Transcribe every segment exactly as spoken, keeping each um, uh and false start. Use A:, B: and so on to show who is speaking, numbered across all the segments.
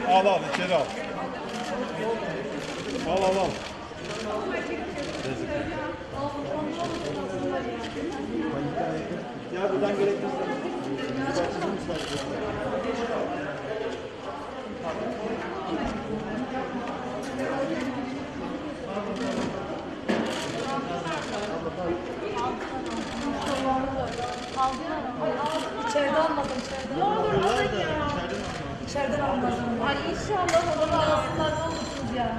A: Al al içeri al. Al al al. Ya buradan gerekirse.
B: İçeride almadım, içeride. Ne olur alın ya. İçeriden almadım. Ay inşallah olur. Ağzından olursunuz ya.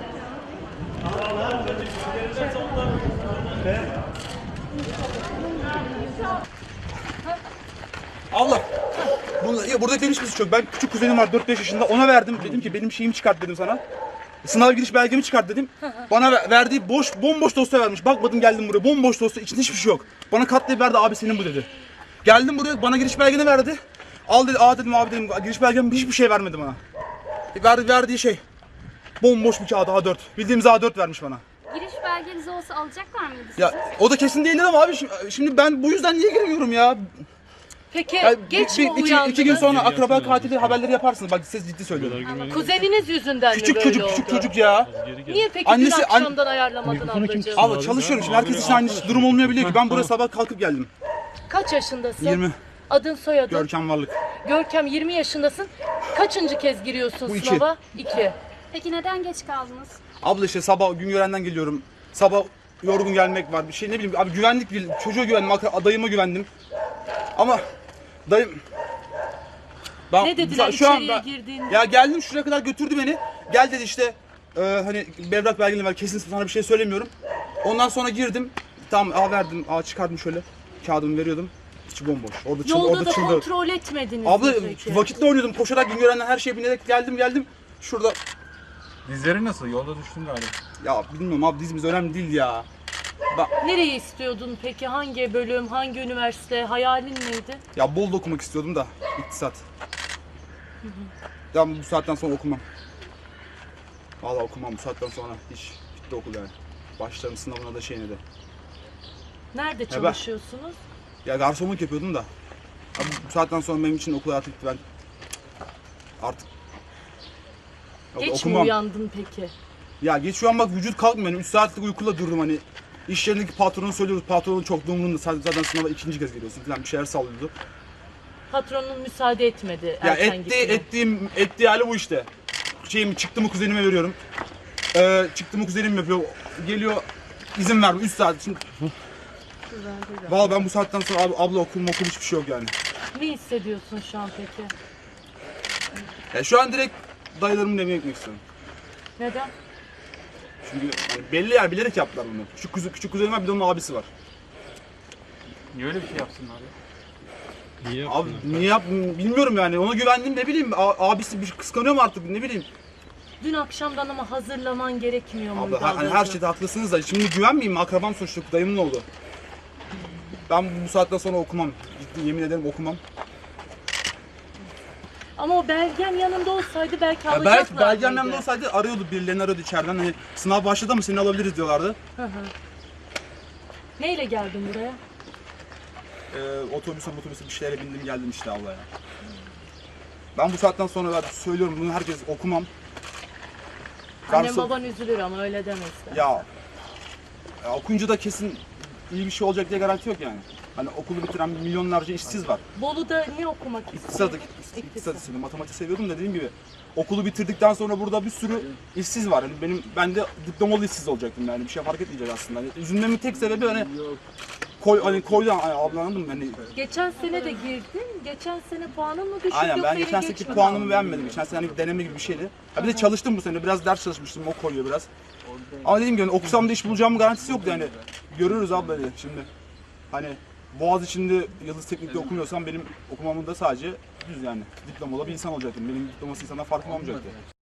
C: Allah! Bunu, ya burada demiş kız çok. Ben küçük kuzenim var dört beş yaşında. Ona verdim. Dedim ki benim şeyimi çıkart dedim sana. Sınav giriş belgemi çıkart dedim. Bana ver- verdiği boş bomboş dosya vermiş. Bakmadım geldim buraya. Bomboş dosya. İçinde hiçbir şey yok. Bana katlayıp verdi. Abi senin bu dedi. Geldim buraya. Bana giriş belgeni verdi. Al dedi. Aa dedim abi dedim. Giriş belgem hiçbir şey vermedi bana. Verdi, verdiği şey. Bomboş bir kağıt A dört. Bildiğimiz A dört vermiş bana.
D: Giriş belgeniz olsa alacaklar mıydı sizi?
C: Ya o da kesin değildi ama abi şimdi, şimdi ben bu yüzden niye girmiyorum ya?
B: Peki
C: Ya,
B: geç
C: bir-
B: mi
C: iki,
B: uyandınız?
C: iki gün sonra akraba katili haberleri yaparsınız. Bak siz ciddi söylüyorum.
B: Kuzeniniz yüzünden
C: Küçük
B: mi
C: çocuk
B: böyle
C: küçük
B: oldu?
C: çocuk ya.
B: Niye peki
C: Annesi-
B: dün akşamdan ayarlamadın ablacığım?
C: Abi çalışıyorum şimdi herkes için aynı durum olmayabiliyor ki. Ben buraya sabah kalkıp geldim.
B: Kaç yaşındasın?
C: yirmi.
B: Adın soyadın?
C: Görkem Varlık.
B: Görkem yirmi yaşındasın. Kaçıncı kez giriyorsun
C: Bu iki.
B: sınava? İki.
D: Peki neden geç kaldınız?
C: Abla işte sabah Güngören'den geliyorum. Sabah yorgun gelmek var bir şey ne bileyim abi güvenlik bil- çocuğa güvendim akra- dayıma güvendim. Ama dayım ben,
B: Ne dediler
C: şu an
B: içeriye
C: ben-
B: girdiğinde?
C: Ya geldim şuraya kadar götürdü beni. Gel dedi işte e, hani berrak belgeni ver kesin sana bir şey söylemiyorum. Ondan sonra girdim. Tamam A verdim. A çıkardım şöyle. Kağıdımı veriyordum. İçi bomboş. Orada çıldı,
B: Yolda
C: orada
B: da
C: çıldı.
B: kontrol etmediniz
C: Abla
B: mi peki?
C: vakitle oynuyordum. Koşarak Güngören'den her şeyi binerek geldim geldim. Şurada
A: Dizleri nasıl? Yolda düştün galiba.
C: ya bilmiyorum abi dizimiz önemli değil ya.
B: Nereyi istiyordun peki? Hangi bölüm, hangi üniversite? Hayalin neydi?
C: Ya bol da okumak istiyordum da iktisat. Ya bu saatten sonra okumam. Vallahi okumam bu saatten sonra hiç bitti okul yani. Başlarım sınavına da şeyine de.
B: Nerede
C: ben-
B: çalışıyorsunuz?
C: Ya garsonluk yapıyordum da. Abi bu saatten sonra benim için okul hayatı bitti ben. Artık ya
B: Geç mi
C: okumam.
B: uyandın peki?
C: Ya geç şu an bak vücut kalkmıyor. Yani üç saatlik uykuyla durdum hani. İş yerindeki patronu söylüyoruz. Patronun çok da umurunda. Zaten sınava ikinci kez geliyorsun falan bir şeyler sallıyordu.
B: Patronun müsaade etmedi
C: Ya
B: erken
C: etti,
B: gitmeye.
C: ettiğim, ettiği hali bu işte. Şeyimi çıktı mı kuzenime veriyorum. Ee, çıktı mı kuzenim yapıyor. Geliyor izin vermiyor üç saat. Şimdi... Vallahi ben bu saatten sonra abi, abla okul okul hiçbir şey yok yani.
B: Ne hissediyorsun şu an peki?
C: Ya şu an direkt dayılarımın evine gitmek istiyorum.
B: Neden?
C: Çünkü yani belli yer bilerek yaptılar bunu. Küçük, kuzu, küçük kuzenim var bir de onun abisi var.
A: Niye öyle bir şey yapsınlar ya?
E: Niye
C: Abi niye yap bilmiyorum yani ona güvendim ne bileyim a- abisi bir kıskanıyor mu artık ne bileyim.
B: Dün akşamdan ama hazırlaman gerekmiyor muydu
C: Abla hani her
B: ablacığım?
C: şeyde haklısınız da şimdi güvenmeyeyim mi? Akrabam sonuçta dayımın oğlu. Ben bu saatten sonra okumam. Ciddi yemin ederim okumam.
B: Ama o belgen yanında olsaydı belki
C: Ya
B: alacaklardı.
C: belki belgem yanımda olsaydı arıyordu birilerini arıyordu içeriden hani sınav başladı ama seni alabiliriz diyorlardı.
B: Hı hı. Neyle geldin buraya?
C: Ee, otobüse otobüse bir şeylere bindim geldim işte abla ya. Ben bu saatten sonra ben söylüyorum bunu herkes okumam.
B: Annem
C: Garson-
B: baban üzülür ama öyle demezler.
C: Ya, ya okuyunca da kesin iyi bir şey olacak diye garanti yok yani. Hani okulu bitiren milyonlarca işsiz var.
B: Bolu'da ne okumak
C: İktisat,
B: istiyordun?
C: iktisat istiyordum, matematik seviyordum da dediğim gibi okulu bitirdikten sonra burada bir sürü işsiz var. Yani benim ben de diplomalı işsiz olacaktım yani bir şey fark etmeyecek aslında. Yani üzülmemin tek sebebi hani koy hani koydan abla anladın mı? Hani
B: Geçen sene de girdin. Geçen sene puanın mı düşük
C: aynen
B: yoksa
C: ben
B: yine
C: geçen
B: geç
C: seneki
B: mi
C: puanımı
B: kaldın?
C: beğenmedim. Geçen sene hani deneme gibi bir şeydi. Ha bir de çalıştım bu sene. Biraz ders çalışmıştım. O koyuyor biraz. Ama dediğim gibi hani okusam da iş bulacağımın garantisi yoktu yani. Görüyoruz abla hani şimdi. Hani Boğaz içinde Yıldız Teknik'te okumuyorsam benim okumamın da sadece düz yani. Diplomalı bir insan olacaktım. Benim diploması insandan farkım olmayacaktı.